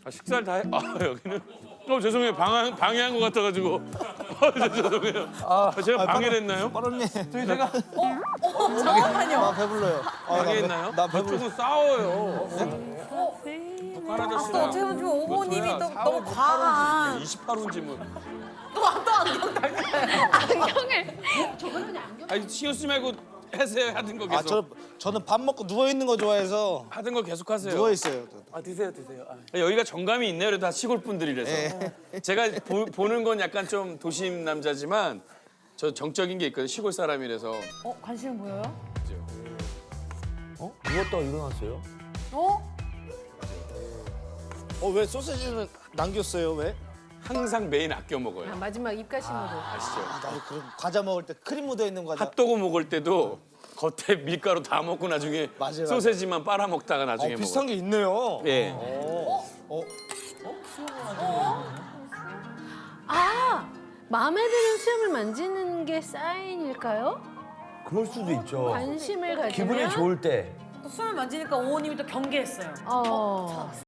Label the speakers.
Speaker 1: 아, 식사를 다 해? 아, 여기는 죄송해요. 방해한 것 같아가지고. 죄송해요. 제가 방해를 했나요?
Speaker 2: 빠른님.
Speaker 3: 저희 제가
Speaker 4: 잠깐만요.
Speaker 2: 나 배불러요.
Speaker 1: 방해했나요?
Speaker 2: 나 배불러.
Speaker 1: 저쪽은 싸워요. 북한
Speaker 4: 또
Speaker 1: 아저씨랑.
Speaker 4: 어떻게 보면 좀 오보님이 또
Speaker 1: 뭐야,
Speaker 4: 너무 과한.
Speaker 1: 28호인지 뭐.
Speaker 4: 또 안경 달까요?
Speaker 5: 안경을.
Speaker 1: 아니 신경 쓰지 말고 하세요. 하던 거 계속.
Speaker 2: 저는 밥 먹고 누워 있는 거 좋아해서
Speaker 1: 하던 거 계속 하세요.
Speaker 2: 누워 있어요.
Speaker 3: 아 드세요 드세요.
Speaker 1: 여기가 정감이 있네요. 그래도 다 시골 분들이라서. 제가 보는 건 약간 좀 도심 남자지만 저 정적인 게 있거든요. 시골 사람이라서.
Speaker 4: 관심 보여요?
Speaker 3: 누웠다가 일어났어요?
Speaker 2: 왜 소세지는 남겼어요? 왜?
Speaker 1: 항상 메인 아껴 먹어요.
Speaker 5: 마지막 입가심으로.
Speaker 1: 아시죠?
Speaker 2: 나 그럼 과자 먹을 때 크림 묻어 있는 과자.
Speaker 1: 핫도그 먹을 때도 겉에 밀가루 다 먹고 나중에
Speaker 2: 맞아요,
Speaker 1: 소세지만 빨아 먹다가 나중에
Speaker 2: 비슷한
Speaker 1: 먹어요.
Speaker 2: 게 있네요.
Speaker 1: 예.
Speaker 5: 아, 마음에 드는 수염을 만지는 게 사인일까요?
Speaker 3: 그럴 수도 있죠.
Speaker 5: 관심을 가지면.
Speaker 3: 기분이 좋을 때.
Speaker 4: 또 수염을 만지니까 오호님이 또 경계했어요.